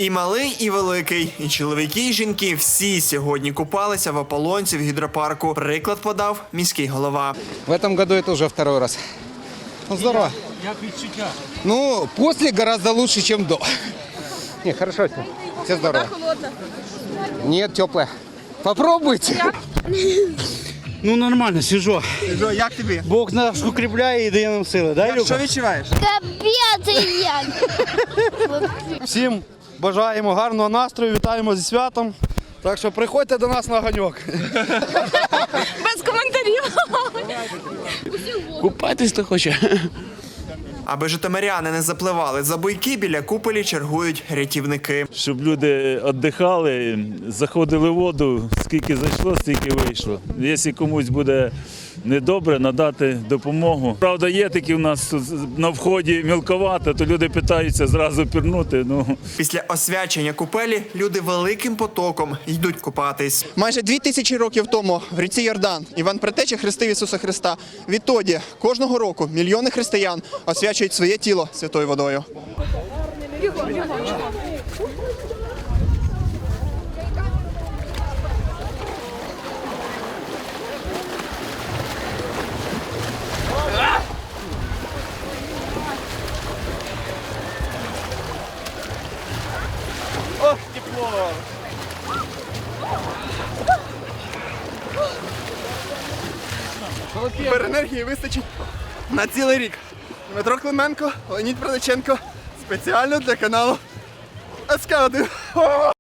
І малий, і великий, і чоловіки, і жінки – всі сьогодні купалися в ополонці в гідропарку. Приклад подав міський голова. В этом году это уже второй раз. Ну, здорово. Як відчуття? Ну, после гораздо лучше, чем до. Не, хорошо все. Все здорово. Холодно. Нет, теплая. Попробуйте. Ну нормально, свіжо. Як тобі? Бог нас укріпляє і дає нам сили, да, Люка? Що відчуваєш? Капець як. Всім бажаємо гарного настрою, вітаємо зі святом. Так що приходьте до нас на ганьок. Без коментарів. Купатись хто хоче. Аби житомиряни не запливали за буйки, біля куполі чергують рятівники. Щоб люди віддихали, заходили в воду, скільки зайшло, стільки вийшло. Якщо комусь буде недобре, надати допомогу. Правда, є такі в нас тут на вході мілковато, то люди питаються зразу пірнути. Після освячення купелі люди великим потоком йдуть купатись. Майже 2000 років тому в ріці Йордан Іван Предтеча хрестив Ісуса Христа. Відтоді кожного року мільйони християн освячують своє тіло святою водою. Тепер енергії вистачить на цілий рік. Дмитро Клименко, Леонід Приличенко. Спеціально для каналу СК1.